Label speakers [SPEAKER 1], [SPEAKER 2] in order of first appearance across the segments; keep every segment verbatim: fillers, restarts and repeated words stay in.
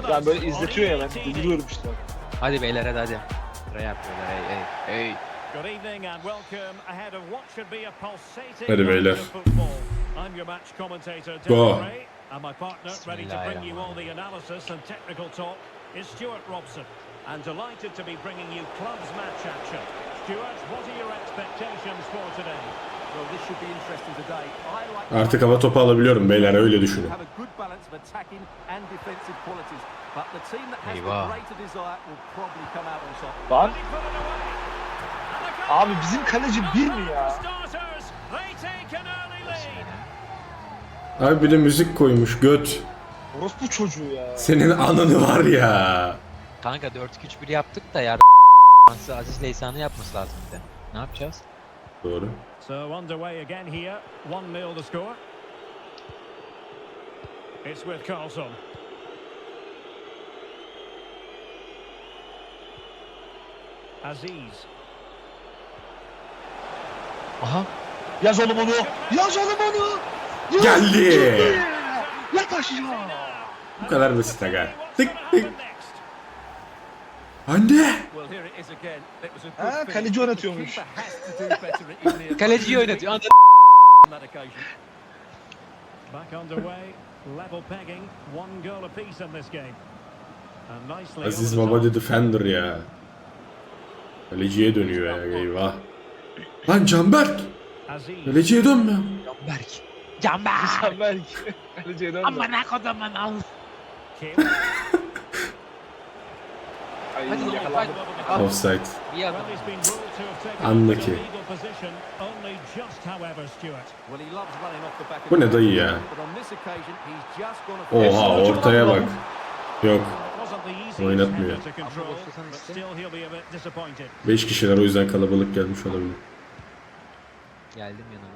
[SPEAKER 1] Yani böyle izletiyor ya, ben deliriyorum işte.
[SPEAKER 2] Hadi beyler hadi hadi. Buraya yapıyorlar hey hey hey.
[SPEAKER 3] Good evening and welcome ahead of what should be a pulsating
[SPEAKER 4] Hadi
[SPEAKER 3] night
[SPEAKER 4] beyler.
[SPEAKER 3] of football. I'm your match commentator
[SPEAKER 4] Go.
[SPEAKER 3] Derek Ray, and my partner ready to bring you all the
[SPEAKER 2] Bismillahirrahmanirrahim.
[SPEAKER 3] analysis and technical talk is Stuart Robson. And delighted to be bringing you clubs match action. Stuart, what are your expectations for today?
[SPEAKER 5] Well, this should be interesting today. I like
[SPEAKER 4] Artık hava topu alabiliyorum beyler, öyle düşünün.
[SPEAKER 5] have a good balance of attacking and defensive qualities, but the team that has
[SPEAKER 2] Eyvah.
[SPEAKER 5] the greater desire will probably come out on top.
[SPEAKER 1] Lan
[SPEAKER 3] He put it away. And a goal.
[SPEAKER 1] abi bizim kaleci bir mi ya?
[SPEAKER 3] Starters, they take an early lead.
[SPEAKER 4] Abi bir de müzik koymuş göt.
[SPEAKER 1] Orospu çocuğu ya.
[SPEAKER 4] Senin ananı var ya.
[SPEAKER 2] Kanka dört iki üç bir yaptık da ya. Aziz Leysan'ı yapması lazım bir de. Ne yapacağız?
[SPEAKER 4] Doğru.
[SPEAKER 3] So underway again here. one nil the score. It's with Carlson. Aziz.
[SPEAKER 2] Aha.
[SPEAKER 1] Yaz oğlum onu. Yaz oğlum onu. Yaz.
[SPEAKER 4] Geldi.
[SPEAKER 1] Yat aşağı.
[SPEAKER 4] Bu kadar basit aga.
[SPEAKER 3] What's
[SPEAKER 4] Tık
[SPEAKER 3] gonna
[SPEAKER 4] tık.
[SPEAKER 3] happen next?
[SPEAKER 4] Anne.
[SPEAKER 5] Well, here it is again. It was a good
[SPEAKER 1] Ha,
[SPEAKER 5] finish,
[SPEAKER 1] kaleci
[SPEAKER 5] but the
[SPEAKER 1] oynatıyormuş.
[SPEAKER 5] keeper has to do better at evening.
[SPEAKER 2] Kaleciyi oynatıyor. Anladın.
[SPEAKER 5] On that occasion.
[SPEAKER 3] Back underway. Level pegging. One goal apiece in this game. And nicely
[SPEAKER 4] Aziz
[SPEAKER 3] over the
[SPEAKER 4] Baba
[SPEAKER 3] top.
[SPEAKER 4] the Defender ya. Kaleciye dönüyor ya, eyvah. Lan Canberk.
[SPEAKER 3] Aziz.
[SPEAKER 4] Kaleciye dönme.
[SPEAKER 2] Canberk. Canberk.
[SPEAKER 1] Sen belki. Kaleciye dön de.
[SPEAKER 2] Amına kodaman al.
[SPEAKER 3] Kim.
[SPEAKER 1] Ay
[SPEAKER 2] Hadi lan,
[SPEAKER 1] yakalandım.
[SPEAKER 2] hadi.
[SPEAKER 4] Offside.
[SPEAKER 2] İyi adam.
[SPEAKER 3] Well, he's been ruled to have taken
[SPEAKER 4] Anla
[SPEAKER 3] up
[SPEAKER 4] ki.
[SPEAKER 3] a legal position. Only just, however, Stuart.
[SPEAKER 5] Well, he loves running off the back of
[SPEAKER 4] Bu ne
[SPEAKER 5] the
[SPEAKER 4] dayı
[SPEAKER 5] ball,
[SPEAKER 4] ya?
[SPEAKER 5] but on this occasion he's just gonna
[SPEAKER 4] Oha ortaya bak. Yok.
[SPEAKER 3] It wasn't the easiest
[SPEAKER 4] Oynatmıyor.
[SPEAKER 3] header to control, but still he'll be a bit disappointed.
[SPEAKER 4] beş kişiler, o yüzden kalabalık gelmiş olabilir.
[SPEAKER 2] Geldim yanına.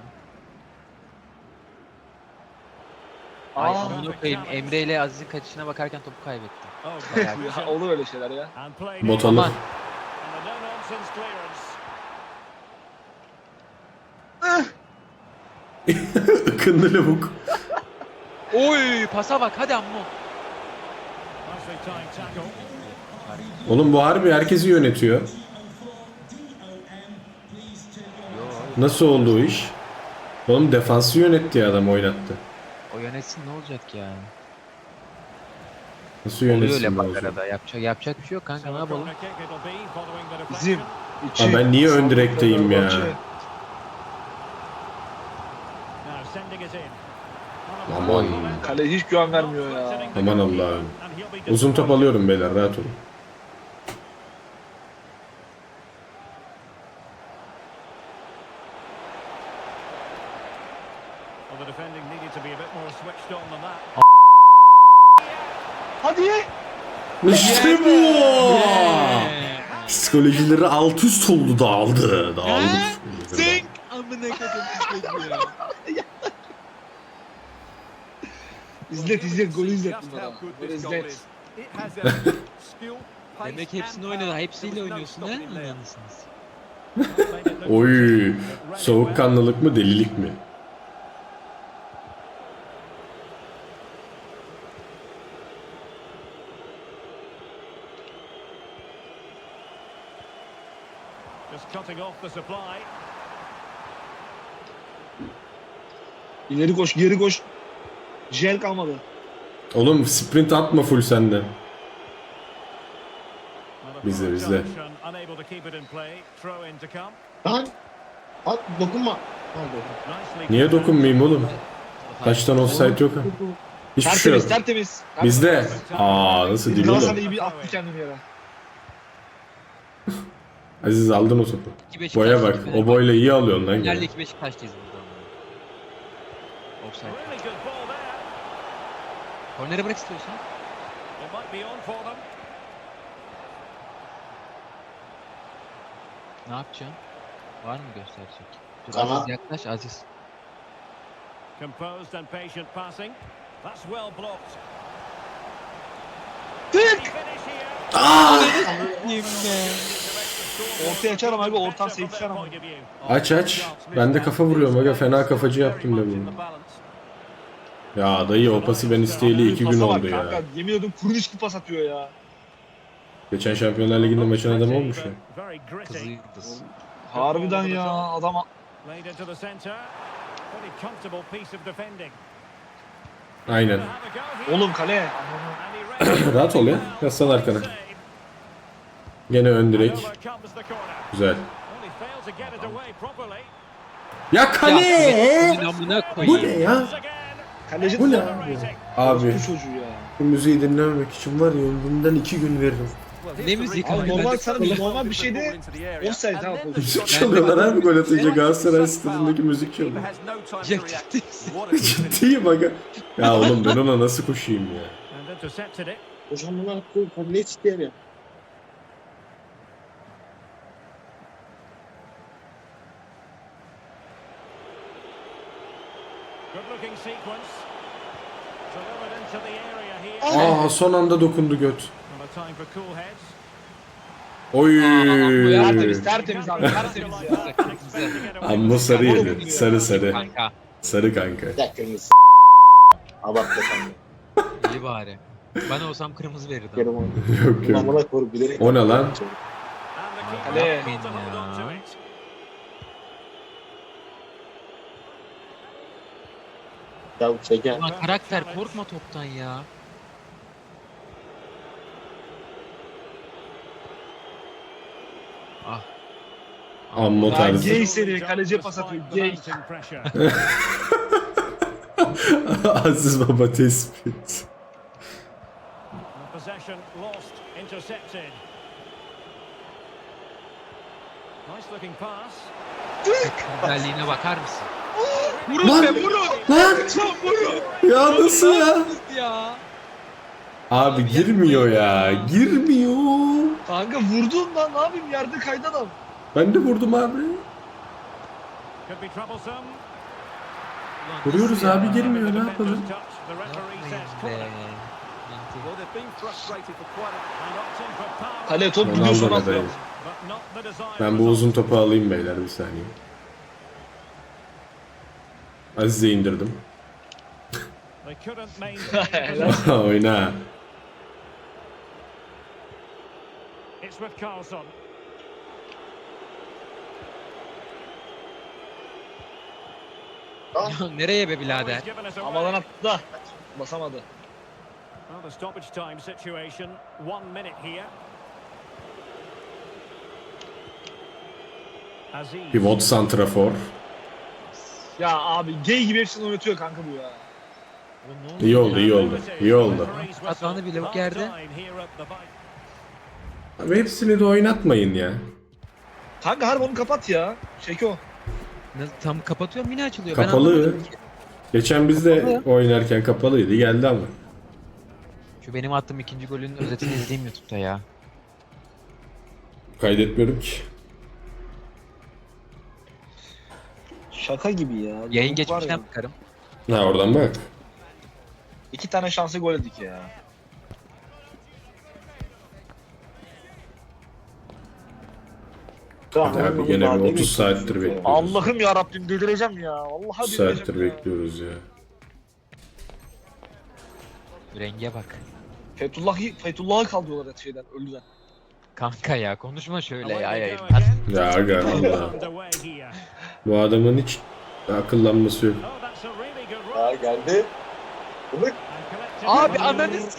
[SPEAKER 1] Aa.
[SPEAKER 2] Ay amına koyayım. Emre ile Aziz'in kaçışına bakarken topu kaybettim.
[SPEAKER 3] Oh,
[SPEAKER 2] Bayağı bir-
[SPEAKER 1] Ya, olur öyle şeyler ya.
[SPEAKER 3] and played
[SPEAKER 4] Motor.
[SPEAKER 3] in.
[SPEAKER 4] Aman.
[SPEAKER 3] And a no-nonsense clearance.
[SPEAKER 4] Ikınlı lavuk.
[SPEAKER 2] Oy pasa bak hadi ammo.
[SPEAKER 3] Nicely timed tackle.
[SPEAKER 4] Oğlum bu harbi herkesi yönetiyor. Nasıl oldu o iş? Oğlum defansı yönetti ya, adam oynattı.
[SPEAKER 2] O yönetsin ne olacak ya?
[SPEAKER 4] Nasıl
[SPEAKER 2] Oluyor
[SPEAKER 4] yönetsin
[SPEAKER 2] öyle
[SPEAKER 4] bu
[SPEAKER 2] bak
[SPEAKER 4] olacak?
[SPEAKER 2] arada. Yapacak, yapacak bir şey yok kanka ne yapalım?
[SPEAKER 3] Corner kick it'll be following the
[SPEAKER 1] Bizim
[SPEAKER 3] deflection.
[SPEAKER 1] içi.
[SPEAKER 4] Aa, ben niye ön direkteyim ya?
[SPEAKER 3] Now sending it in.
[SPEAKER 4] Aman.
[SPEAKER 1] Kale hiç güven vermiyor ya.
[SPEAKER 4] Aman Allah'ım. Uzun top alıyorum beyler, rahat olun.
[SPEAKER 3] Well, the defending needed to be a bit more switched on than that.
[SPEAKER 1] Hadi.
[SPEAKER 4] İşte bu. Psikolojileri alt üst oldu, dağıldı. Dağıldı.
[SPEAKER 2] Zing! Amına koyayım ya.
[SPEAKER 1] İzlet izlet, golü izlet
[SPEAKER 5] Just
[SPEAKER 1] bunlara.
[SPEAKER 5] how good
[SPEAKER 1] Böyle
[SPEAKER 5] this goal
[SPEAKER 1] izlet.
[SPEAKER 5] is. It has everything. Skill, pace,
[SPEAKER 2] Demek
[SPEAKER 5] and
[SPEAKER 2] hepsini
[SPEAKER 5] power.
[SPEAKER 2] oynadı. Hepsiyle
[SPEAKER 5] There was no
[SPEAKER 2] oynuyorsun ha?
[SPEAKER 5] stopping him there.
[SPEAKER 2] Anladınız.
[SPEAKER 4] Oy. Soğukkanlılık mı, delilik mi?
[SPEAKER 3] Just cutting off the supply.
[SPEAKER 1] İleri koş, geri koş. Jel kalmadı.
[SPEAKER 4] Oğlum sprint atma full sende.
[SPEAKER 3] Well, a
[SPEAKER 4] Bizde,
[SPEAKER 3] poor
[SPEAKER 4] bizde.
[SPEAKER 3] touch and unable to keep it in play. Throw in to come.
[SPEAKER 6] Lan at dokunma. Lan
[SPEAKER 3] Nicely
[SPEAKER 4] Niye
[SPEAKER 3] covered.
[SPEAKER 4] dokunmayayım oğlum? Kaçtan offside yok ha. Hiçbir şey yok.
[SPEAKER 1] Tertemiz, tertemiz.
[SPEAKER 4] Bizde. Aa nasıl değil
[SPEAKER 1] Galatasaray
[SPEAKER 4] oğlum?
[SPEAKER 1] iyi bir attı kendini yere.
[SPEAKER 4] Aziz aldın o topu.
[SPEAKER 2] İki Beşiktaş,
[SPEAKER 4] Boya bak.
[SPEAKER 2] iki
[SPEAKER 4] O boyla iyi alıyorsun lan
[SPEAKER 2] Finalde
[SPEAKER 4] gene.
[SPEAKER 2] iki Beşiktaş'tayız burada. Offside.
[SPEAKER 3] Really good ball there.
[SPEAKER 2] Kornere bırak istiyorsan.
[SPEAKER 3] It might be on for them.
[SPEAKER 2] Ne yapacaksın? Var mı gösterecek? Dur
[SPEAKER 6] Kanat.
[SPEAKER 2] Aziz yaklaş Aziz.
[SPEAKER 3] Composed and patient passing. That's well blocked.
[SPEAKER 1] Tık!
[SPEAKER 3] Finish here.
[SPEAKER 1] Ortaya açarım abi, ortadan seksen ama.
[SPEAKER 4] Aç aç. Ben de kafa vuruyorum aga. Fena kafacı yaptım ben bunu. Ya dayı o pası ben isteyeli iki gün
[SPEAKER 1] Pasa bak
[SPEAKER 4] oldu ya.
[SPEAKER 1] kanka. Yemin ediyorum kuruluş gibi pas atıyor ya.
[SPEAKER 4] Geçen Şampiyonlar Ligi'nde maçın adamı olmuş ya.
[SPEAKER 3] Very gritty.
[SPEAKER 2] Kızı yıldız.
[SPEAKER 1] Harbiden ya adam.
[SPEAKER 3] Laid into the centre. Pretty comfortable piece of defending.
[SPEAKER 4] Aynen.
[SPEAKER 3] Have a go here.
[SPEAKER 1] Oğlum kale.
[SPEAKER 3] And he read it
[SPEAKER 4] Rahat ol ya. Yaslan arkana.
[SPEAKER 3] save.
[SPEAKER 4] Gene ön direk.
[SPEAKER 3] Over comes the corner.
[SPEAKER 4] Güzel.
[SPEAKER 3] Well, he failed to get it away properly.
[SPEAKER 4] Ya kale!
[SPEAKER 2] Ya, amına
[SPEAKER 4] Bu
[SPEAKER 2] koyayım.
[SPEAKER 4] ne ya?
[SPEAKER 3] Once again.
[SPEAKER 1] Kaleci
[SPEAKER 4] Bu ne
[SPEAKER 1] de
[SPEAKER 3] Rating.
[SPEAKER 4] abi?
[SPEAKER 1] bu çocuğu ya.
[SPEAKER 4] Bu müziği dinlememek için var ya ömrümden iki gün veririm.
[SPEAKER 2] Ne müzik
[SPEAKER 1] Abi
[SPEAKER 2] abi?
[SPEAKER 1] normal
[SPEAKER 2] Ben-
[SPEAKER 1] sana bir normal bir şeyde offside abi pozisyon.
[SPEAKER 4] Müzik çalıyorlar abi gol atınca Galatasaray stadındaki müzik çalıyor.
[SPEAKER 2] Ya ciddi misin?
[SPEAKER 4] Ciddiyim aga. Ya oğlum ben ona nasıl koşayım ya?
[SPEAKER 3] And intercepted it.
[SPEAKER 6] Hocam bunlar ne isteyen ya?
[SPEAKER 3] Good looking sequence. Delivered into the area here.
[SPEAKER 4] Aa son anda dokundu göt.
[SPEAKER 3] And a time for cool heads.
[SPEAKER 4] Oy.
[SPEAKER 1] Tertemiz tertemiz abi tertemiz ya.
[SPEAKER 4] Amma sarı yedi. Sarı sarı.
[SPEAKER 2] Kanka.
[SPEAKER 4] Sarı kanka.
[SPEAKER 6] Bir dakika Enes. Abartma sen de.
[SPEAKER 2] İyi bari. Ben olsam kırmızı verirdim.
[SPEAKER 6] Yarım oldu.
[SPEAKER 4] Yok yok.
[SPEAKER 6] Amına koru bilerek.
[SPEAKER 4] O ne lan?
[SPEAKER 3] And the keeper
[SPEAKER 1] Kale.
[SPEAKER 3] able to hold on to it.
[SPEAKER 6] Ya şeker.
[SPEAKER 2] Ulan karakter korkma toptan ya. Ah.
[SPEAKER 4] Amma
[SPEAKER 1] Ya
[SPEAKER 4] tarzı.
[SPEAKER 1] gay seni kaleciye pas atıyor. Gay.
[SPEAKER 3] Mounting pressure.
[SPEAKER 4] Aziz Baba tespit.
[SPEAKER 3] And possession lost, intercepted. Nice looking pass.
[SPEAKER 2] Güzelliğine bakar mısın?
[SPEAKER 1] Vurun
[SPEAKER 4] Lan!
[SPEAKER 1] be vurun.
[SPEAKER 4] Lan!
[SPEAKER 1] Lan vurun.
[SPEAKER 4] Ya nasıl ya?
[SPEAKER 2] Ya.
[SPEAKER 4] Abi girmiyor ya. Girmiyor.
[SPEAKER 1] Kanka vurdun lan ne yapayım yerde kaydı adam.
[SPEAKER 4] Ben de vurdum abi.
[SPEAKER 3] Could be troublesome.
[SPEAKER 4] Vuruyoruz abi girmiyor ne
[SPEAKER 3] Defender's
[SPEAKER 4] yapalım?
[SPEAKER 3] touch. The referee says
[SPEAKER 2] Yapmayın
[SPEAKER 3] corner.
[SPEAKER 2] be.
[SPEAKER 5] Well, they've been frustrated for quite a
[SPEAKER 3] And opting for power.
[SPEAKER 1] Kale top
[SPEAKER 4] Ronaldo
[SPEAKER 1] gidiyor sonra
[SPEAKER 4] adayı.
[SPEAKER 1] atıyor.
[SPEAKER 3] But not the desired
[SPEAKER 4] Ben bu
[SPEAKER 3] result.
[SPEAKER 4] uzun topu alayım beyler bir saniye. Aziz'e indirdim.
[SPEAKER 3] They couldn't maintain the possession.
[SPEAKER 4] Oyna.
[SPEAKER 3] It's with Carlson.
[SPEAKER 2] Ya nereye be birader?
[SPEAKER 3] He's given us a
[SPEAKER 1] Havadan
[SPEAKER 3] break.
[SPEAKER 1] attı da basamadı.
[SPEAKER 3] Well, the stoppage time situation. One minute here. Aziz.
[SPEAKER 4] Pivot santrafor.
[SPEAKER 1] Ya abi gay gibi hepsini oynatıyor kanka bu ya.
[SPEAKER 4] İyi oldu iyi oldu. İyi oldu.
[SPEAKER 2] Atağını bile yok yerde.
[SPEAKER 4] Abi hepsini de oynatmayın ya.
[SPEAKER 1] Kanka harbi onu kapat ya. Şeko.
[SPEAKER 2] Ne- Tam kapatıyorum yine açılıyor. Ben
[SPEAKER 4] Kapalı.
[SPEAKER 2] anlamadım ki.
[SPEAKER 4] Geçen biz de
[SPEAKER 2] Kapalı.
[SPEAKER 4] oynarken kapalıydı geldi ama.
[SPEAKER 2] Şu benim attığım ikinci golün özetini izleyeyim YouTube'da ya.
[SPEAKER 4] Kaydetmiyorum ki.
[SPEAKER 1] Şaka gibi ya.
[SPEAKER 2] Yayın
[SPEAKER 1] Var ya.
[SPEAKER 2] geçmişten bakarım.
[SPEAKER 4] Ha oradan bak.
[SPEAKER 1] İki tane şansı gol yedik ya.
[SPEAKER 4] Hadi abi gene bir otuz saattir bekliyoruz.
[SPEAKER 1] Allah'ım ya Rabbim delireceğim ya. Vallahi
[SPEAKER 4] otuz
[SPEAKER 1] delireceğim
[SPEAKER 4] saattir
[SPEAKER 1] ya.
[SPEAKER 4] bekliyoruz ya.
[SPEAKER 2] Renge bak.
[SPEAKER 1] Fethullah'ı Fethullah'ı kaldırıyorlar et şeyden ölüden.
[SPEAKER 2] Kanka ya konuşma şöyle ya. ya.
[SPEAKER 4] Ya aga valla. Bu adamın hiç akıllanması yok.
[SPEAKER 6] Ya geldi. Bırak.
[SPEAKER 2] Abi ananı s-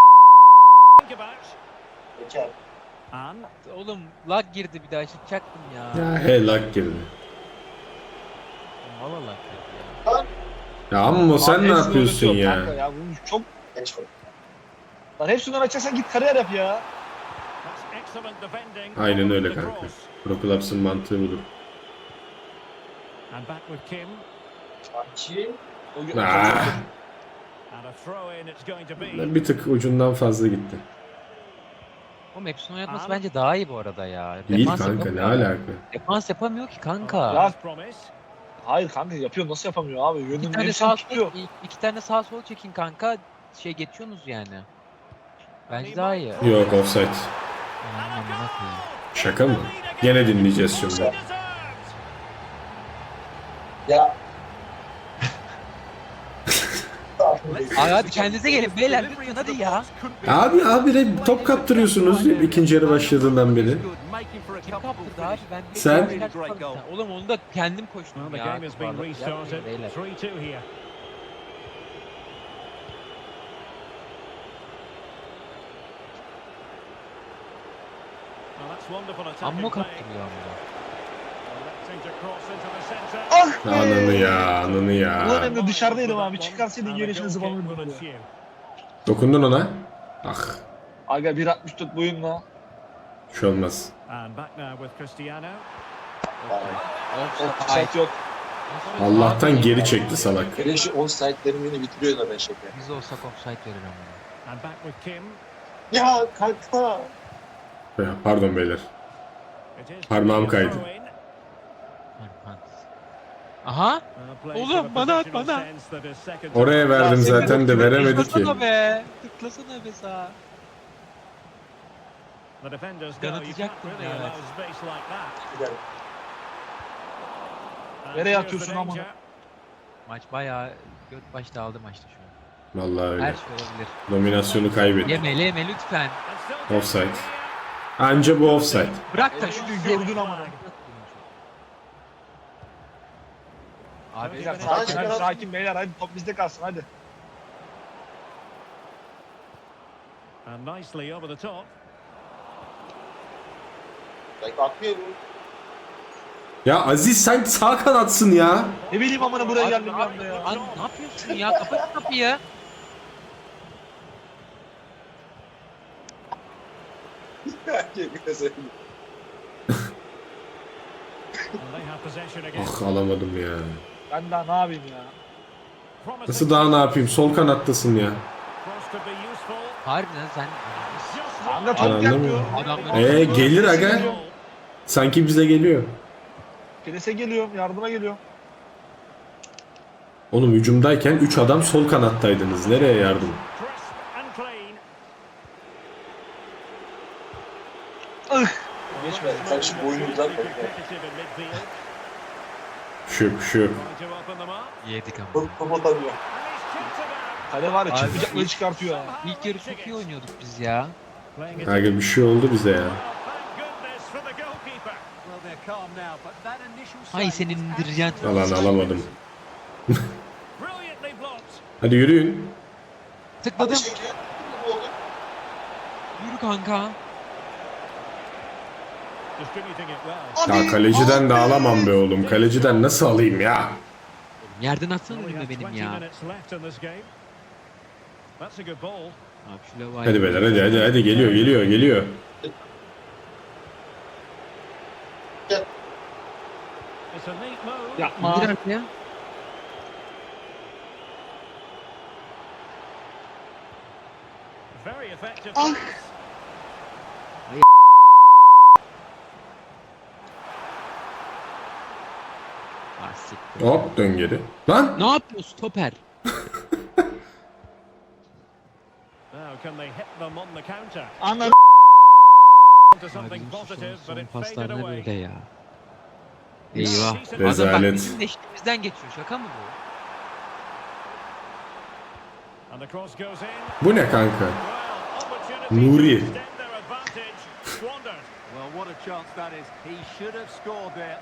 [SPEAKER 6] Şeker.
[SPEAKER 2] Oğlum lag girdi bir daha çıkacaktım ya.
[SPEAKER 4] Ya helak girdi.
[SPEAKER 2] Valla lag girdi ya.
[SPEAKER 4] Ya amma sen
[SPEAKER 1] Abi
[SPEAKER 4] ne
[SPEAKER 1] hepsini
[SPEAKER 4] yapıyorsun
[SPEAKER 1] oynatıyor
[SPEAKER 4] ya?
[SPEAKER 1] Kanka ya bunu çok...
[SPEAKER 6] Geç koy.
[SPEAKER 1] Lan hepsinden açacaksan git kariyer yap ya.
[SPEAKER 4] Aynen öyle kanka. Pro Clubs'ın mantığı budur.
[SPEAKER 3] And back with Kim.
[SPEAKER 6] Sanki.
[SPEAKER 1] O-
[SPEAKER 4] Ah,
[SPEAKER 3] And a throw in it's going to be.
[SPEAKER 4] bir tık ucundan fazla gitti.
[SPEAKER 2] O Max'in oynatması bence daha iyi bu arada ya.
[SPEAKER 4] Değil
[SPEAKER 2] Defans
[SPEAKER 4] kanka ne
[SPEAKER 2] yapamıyor.
[SPEAKER 4] alaka?
[SPEAKER 2] Defans yapamıyor ki kanka.
[SPEAKER 1] Ya-
[SPEAKER 3] Promise.
[SPEAKER 1] Hayır kanka yapıyor nasıl yapamıyor abi?
[SPEAKER 2] İki
[SPEAKER 1] Yönünün
[SPEAKER 2] tane
[SPEAKER 1] hepsini
[SPEAKER 2] sağ
[SPEAKER 1] tutuyor.
[SPEAKER 2] sol, iki tane sağ sol çekin kanka. Şey geçiyorsunuz yani. Bence daha iyi.
[SPEAKER 4] Yok offside.
[SPEAKER 2] Aman amına koyayım.
[SPEAKER 4] Şaka mı? Gene dinleyeceğiz şimdi.
[SPEAKER 6] Ya.
[SPEAKER 2] Abi hadi kendinize gelin beyler lütfen hadi ya.
[SPEAKER 4] Abi abi de top kaptırıyorsunuz ikinci yarı başladığından beri.
[SPEAKER 2] Kim kaptırdı abi ben bir
[SPEAKER 4] Sen?
[SPEAKER 2] bir kaçmadım sen. Oğlum onu da kendim
[SPEAKER 3] Well,
[SPEAKER 2] koştum
[SPEAKER 3] the
[SPEAKER 2] ya.
[SPEAKER 3] game has been
[SPEAKER 2] Yapmayın
[SPEAKER 3] restarted.
[SPEAKER 2] beyler.
[SPEAKER 3] three two here. Well, that's wonderful attacking
[SPEAKER 2] Amma
[SPEAKER 3] play.
[SPEAKER 2] kaptırıyor amma.
[SPEAKER 3] Electing to cross into the centre.
[SPEAKER 1] Ah be.
[SPEAKER 4] Ananı ya ananı
[SPEAKER 1] Ulan
[SPEAKER 4] ya.
[SPEAKER 1] Emre dışarıdaydım abi.
[SPEAKER 3] And
[SPEAKER 1] Çıkarsaydın
[SPEAKER 3] a
[SPEAKER 1] gelişine
[SPEAKER 3] goal kick
[SPEAKER 1] zıvanırdım
[SPEAKER 3] will
[SPEAKER 1] ya.
[SPEAKER 3] ensue.
[SPEAKER 4] Dokundun ona. Ah
[SPEAKER 1] Aga bir altmış dört boyunla.
[SPEAKER 4] bir şey olmaz.
[SPEAKER 3] And back now with Cristiano.
[SPEAKER 2] Offside.
[SPEAKER 1] Offside yok.
[SPEAKER 4] Allah'tan geri çekti salak.
[SPEAKER 6] Hele şu onsite'lerin beni bitiriyorlar ben şaka.
[SPEAKER 2] Biz olsak offside verir ama.
[SPEAKER 3] And back with Kim.
[SPEAKER 6] Ya kanka.
[SPEAKER 4] Ya, Pardon beyler.
[SPEAKER 3] It is
[SPEAKER 4] Parmağım
[SPEAKER 3] a
[SPEAKER 4] kaydı.
[SPEAKER 3] throw-in.
[SPEAKER 2] Aha.
[SPEAKER 3] Uh, plays
[SPEAKER 2] Oğlum,
[SPEAKER 3] with a
[SPEAKER 2] bana at,
[SPEAKER 3] positional
[SPEAKER 2] bana.
[SPEAKER 3] sense that is second
[SPEAKER 4] Oraya
[SPEAKER 3] to
[SPEAKER 4] verdim
[SPEAKER 1] senin
[SPEAKER 4] zaten de veremedi ki.
[SPEAKER 2] Tıklasana be. Tıklasana be sağa.
[SPEAKER 3] The defenders
[SPEAKER 2] Ben
[SPEAKER 3] go, you can't
[SPEAKER 2] atacaktım
[SPEAKER 3] really
[SPEAKER 2] ya,
[SPEAKER 3] allow
[SPEAKER 2] evet.
[SPEAKER 3] space like that.
[SPEAKER 6] Yani
[SPEAKER 3] And
[SPEAKER 1] Nereye
[SPEAKER 3] here's
[SPEAKER 1] atıyorsun
[SPEAKER 3] the
[SPEAKER 1] amına?
[SPEAKER 3] danger.
[SPEAKER 2] Maç bayağı göt başta aldı maçta şu an.
[SPEAKER 4] Vallahi
[SPEAKER 2] Her
[SPEAKER 4] öyle.
[SPEAKER 2] şey olabilir.
[SPEAKER 4] Dominasyonu kaybetti.
[SPEAKER 2] Yeme yeme lütfen.
[SPEAKER 3] And still
[SPEAKER 4] Offside.
[SPEAKER 3] taking here.
[SPEAKER 4] Anca bu offside.
[SPEAKER 2] Bırak da şunu
[SPEAKER 1] Gördün ama.
[SPEAKER 2] Abi
[SPEAKER 1] Beyler
[SPEAKER 3] Sakin,
[SPEAKER 1] sakin,
[SPEAKER 6] sakin.
[SPEAKER 1] hadi, sakin beyler hadi top bizde kalsın hadi.
[SPEAKER 3] And nicely over the top.
[SPEAKER 6] ben atmıyorum.
[SPEAKER 4] Ya Aziz sen sağ kanatsın ya.
[SPEAKER 1] Ne bileyim amına buraya geldim bir anda ya.
[SPEAKER 2] Lan ne yapıyorsun ya? Kapat kapıyı.
[SPEAKER 3] And they have possession again.
[SPEAKER 4] Ah alamadım ya.
[SPEAKER 1] Ben daha ne yapayım ya.
[SPEAKER 3] Promising
[SPEAKER 4] Nasıl daha ne yapayım? Sol kanattasın ya.
[SPEAKER 3] cross could be useful.
[SPEAKER 2] Harbiden sen
[SPEAKER 3] Just
[SPEAKER 1] Kanka
[SPEAKER 3] right.
[SPEAKER 1] top
[SPEAKER 4] Anladın
[SPEAKER 1] gelmiyor.
[SPEAKER 4] mı?
[SPEAKER 2] Adamları-
[SPEAKER 4] Ee gelir aga. Sanki bize geliyor.
[SPEAKER 1] Prese geliyorum, yardıma geliyorum.
[SPEAKER 4] Oğlum hücumdayken üç adam sol kanattaydınız. Nereye yardım?
[SPEAKER 3] Crisp and clean.
[SPEAKER 1] Geçmedi.
[SPEAKER 6] Sen şu boyunu uzat bak ya.
[SPEAKER 3] Competitive in midfield.
[SPEAKER 4] Şıp şıp.
[SPEAKER 3] Trying to open them up.
[SPEAKER 2] yedik ama.
[SPEAKER 6] Top, top atamıyor.
[SPEAKER 3] And he's chipped it out.
[SPEAKER 1] Kale var ya
[SPEAKER 2] Abi,
[SPEAKER 1] çıkmayacakları
[SPEAKER 2] ilk-
[SPEAKER 1] çıkartıyor ya.
[SPEAKER 2] İlk yarı çok iyi oynuyorduk biz ya.
[SPEAKER 3] Playing it.
[SPEAKER 4] Aga bir şey oldu bize ya.
[SPEAKER 3] Well, thank goodness for the goalkeeper.
[SPEAKER 5] Well, they're calm now, but that initial
[SPEAKER 2] Hay
[SPEAKER 5] save
[SPEAKER 2] senin
[SPEAKER 5] was
[SPEAKER 2] indireceğin.
[SPEAKER 4] Alan alamadım.
[SPEAKER 3] Brilliantly blocked.
[SPEAKER 4] Hadi yürüyün.
[SPEAKER 2] Tıkladım.
[SPEAKER 6] Hadi şeker. Ne oldu?
[SPEAKER 2] Yürü kanka.
[SPEAKER 3] Distributing it well.
[SPEAKER 4] Ya kaleciden de alamam be oğlum. Kaleciden nasıl alayım ya?
[SPEAKER 2] Yerden atsana
[SPEAKER 3] Only
[SPEAKER 2] önüme
[SPEAKER 3] have
[SPEAKER 2] benim
[SPEAKER 3] twenty
[SPEAKER 2] ya.
[SPEAKER 3] minutes left in this game. That's a good ball.
[SPEAKER 2] Abi şu lavayı.
[SPEAKER 4] Hadi beyler hadi hadi hadi geliyor geliyor geliyor.
[SPEAKER 3] It's a neat move.
[SPEAKER 1] Yapma.
[SPEAKER 2] İndir artık ya.
[SPEAKER 3] Very effective.
[SPEAKER 1] Ah.
[SPEAKER 3] pass.
[SPEAKER 2] Ah siktir.
[SPEAKER 4] Hop dön geri. Lan!
[SPEAKER 2] Ne yapıyorsun stoper?
[SPEAKER 3] Now can they hit them on the counter?
[SPEAKER 1] Ananı
[SPEAKER 3] Into something
[SPEAKER 2] Abi,
[SPEAKER 3] positive,
[SPEAKER 2] son,
[SPEAKER 3] but
[SPEAKER 2] son
[SPEAKER 3] it faded
[SPEAKER 2] paslar ne
[SPEAKER 3] away.
[SPEAKER 2] böyle ya? Eyvah.
[SPEAKER 3] Decent
[SPEAKER 2] Adam bak
[SPEAKER 4] Rezalet.
[SPEAKER 2] bizim eşliğimizden geçiyor. Şaka mı bu?
[SPEAKER 3] And the cross goes in.
[SPEAKER 4] Bu ne kanka?
[SPEAKER 3] Well, opportunity
[SPEAKER 4] Nuri.
[SPEAKER 3] to extend their advantage. Squandered.
[SPEAKER 5] Well, what a chance that is. He should have scored there.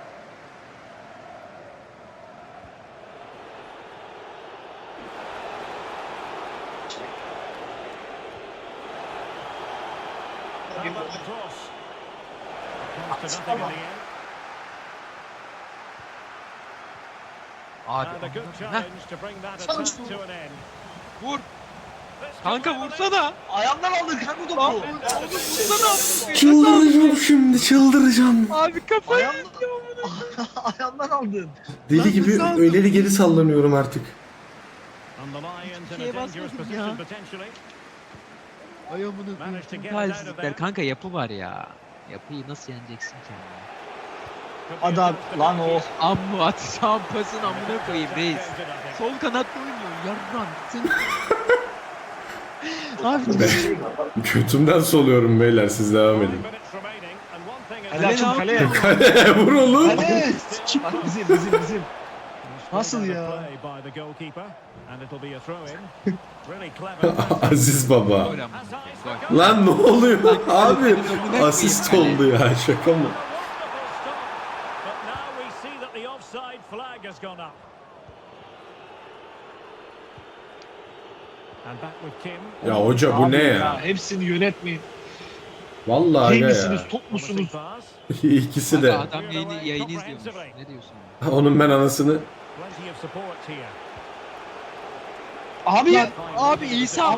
[SPEAKER 3] How about the cross? Comes to nothing in the end.
[SPEAKER 2] Abi.
[SPEAKER 3] And a good
[SPEAKER 2] Heh,
[SPEAKER 3] challenge to bring that attack to an end.
[SPEAKER 2] vur.
[SPEAKER 3] This
[SPEAKER 2] Kanka
[SPEAKER 3] could well be-
[SPEAKER 2] vursana.
[SPEAKER 1] ayağımdan aldın kanka topu.
[SPEAKER 2] Vursana.
[SPEAKER 4] Çıldıracağım şimdi çıldıracağım.
[SPEAKER 2] Abi kafayı.
[SPEAKER 1] Ayağımdan, ayağımdan aldın.
[SPEAKER 4] Deli gibi öleri geri sallanıyorum artık.
[SPEAKER 3] And the Lions in
[SPEAKER 2] Şeye
[SPEAKER 3] a dangerous
[SPEAKER 2] basmadım
[SPEAKER 3] position
[SPEAKER 2] ya.
[SPEAKER 3] potentially.
[SPEAKER 2] Ayağımını
[SPEAKER 3] Managed to
[SPEAKER 2] koyayım.
[SPEAKER 3] get it out of
[SPEAKER 2] Talihsizlikler.
[SPEAKER 3] there.
[SPEAKER 2] Kanka yapı var ya. Yapıyı nasıl yeneceksin ki? ya?
[SPEAKER 3] Could be
[SPEAKER 1] Hadi
[SPEAKER 3] a
[SPEAKER 1] at
[SPEAKER 3] chance to
[SPEAKER 1] lan
[SPEAKER 3] make
[SPEAKER 1] o.
[SPEAKER 3] it.
[SPEAKER 2] Amma atacağım pasın amına koyayım reis.
[SPEAKER 3] Changed it, I think.
[SPEAKER 2] Sol kanatta oynuyor. Yarran. Sen... Abi
[SPEAKER 4] Götümden soluyorum beyler siz devam
[SPEAKER 3] Five
[SPEAKER 4] edin.
[SPEAKER 3] minutes remaining, and one thing is
[SPEAKER 1] Kale açın
[SPEAKER 2] ne
[SPEAKER 1] kaleye.
[SPEAKER 4] Kale vur oğlum.
[SPEAKER 1] Kale. Bak bizim bizim bizim. Nasıl ya?
[SPEAKER 3] Play by the goalkeeper, and it'll be a throw-in. Really clever.
[SPEAKER 4] Aziz baba.
[SPEAKER 2] Gol ama. Gol.
[SPEAKER 4] Lan ne oluyor abi? Asist oldu ya, şaka mı?
[SPEAKER 3] But now we see that the offside flag has gone up. And back with Kim.
[SPEAKER 4] Ya hoca bu
[SPEAKER 1] Abi
[SPEAKER 4] ne ya?
[SPEAKER 1] Hepsini yönetmeyin.
[SPEAKER 4] Vallahi
[SPEAKER 1] Şey
[SPEAKER 4] aga
[SPEAKER 1] misiniz,
[SPEAKER 4] ya.
[SPEAKER 1] top musunuz?
[SPEAKER 4] İkisi de.
[SPEAKER 2] Adam yayını, yayını izliyormuş. Ne diyorsun?
[SPEAKER 4] Onun ben anasını.
[SPEAKER 3] Plenty of support here.
[SPEAKER 1] Abi
[SPEAKER 2] Abi İsa.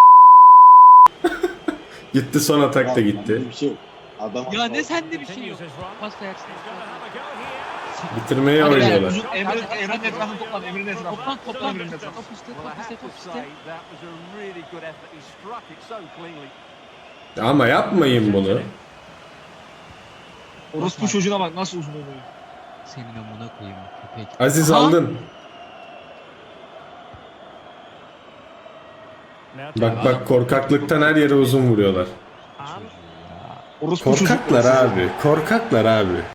[SPEAKER 4] Gitti, son atak da gitti.
[SPEAKER 6] Bir şey yok. Adam
[SPEAKER 2] Ya ne sende bir şey
[SPEAKER 3] Continues
[SPEAKER 2] yok.
[SPEAKER 3] his run.
[SPEAKER 2] Pas versin.
[SPEAKER 3] He's gonna have a go here.
[SPEAKER 4] Bitirmeye
[SPEAKER 1] Hadi be,
[SPEAKER 4] oynuyorlar.
[SPEAKER 1] uzun Emre, Emre'nin etrafını toplan, Emre'nin etrafını.
[SPEAKER 2] Toplan toplan.
[SPEAKER 1] Emre'nin etrafını.
[SPEAKER 2] Top üstte,
[SPEAKER 5] Well, I
[SPEAKER 2] top üstte,
[SPEAKER 5] have to
[SPEAKER 2] top üstte.
[SPEAKER 5] say that was a really good effort. He struck it so cleanly.
[SPEAKER 4] Ama yapmayın bunu.
[SPEAKER 1] Orospu çocuğuna bak nasıl uzun oluyor.
[SPEAKER 2] Senin amına koyayım köpek.
[SPEAKER 4] Aziz
[SPEAKER 2] Aha.
[SPEAKER 4] aldın.
[SPEAKER 3] Now
[SPEAKER 4] Bak bak, korkaklıktan her yere uzun vuruyorlar.
[SPEAKER 3] And
[SPEAKER 1] Orospu çocuklar.
[SPEAKER 4] Korkaklar abi. Korkaklar abi.